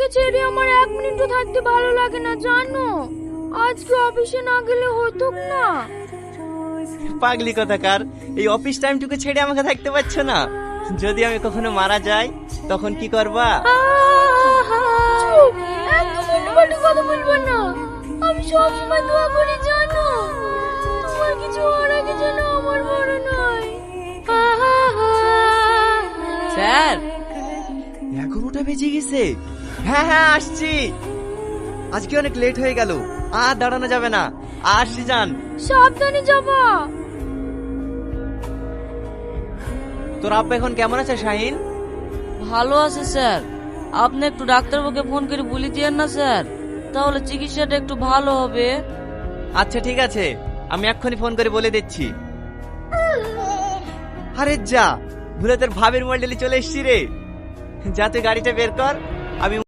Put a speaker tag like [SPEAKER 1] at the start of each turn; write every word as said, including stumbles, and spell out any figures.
[SPEAKER 1] তোমাকে ছেড়ে আমার এক মিনিটও থাকতে ভালো লাগে না জানো। আজকে অফিসে না গেলে হতো না।
[SPEAKER 2] পাগলি কথাকার, এই অফিস টাইমটুকু ছেড়ে আমাকে থাকতে পারছো না? যদি আমি কখনো মারা যাই তখন কি করবা?
[SPEAKER 1] চুপ, একদম উল্টোপাল্টা কথা বলবো না। আমি সবসময় দোয়া করি জানো, তোমার কিছু হওয়ার আগে যেন আমার মরণ হয়।
[SPEAKER 3] স্যার,
[SPEAKER 2] এগারোটা বেজে গেছে। হ্যাঁ হ্যাঁ আসছি। আজকে অনেক লেট হয়ে গেল, আর দাঁড়ানো যাবে না। আসছি যান।
[SPEAKER 1] সাবধানে যাবা।
[SPEAKER 2] তোর আব্বা এখন কেমন আছে শাহিন?
[SPEAKER 3] ভালো আছে স্যার। আপনি একটু ডাক্তারবাবুকে ফোন করে বলে দিয়েন না স্যার, তাহলে চিকিৎসাটা একটু ভালো হবে।
[SPEAKER 2] আচ্ছা ঠিক আছে, আমি এক্ষুনি ফোন করে বলে দিচ্ছি। আরে যা, ভুলে তোর ভাবির মডেলে চলে এসছি রে। যা তুই গাড়িটা বের কর, আমি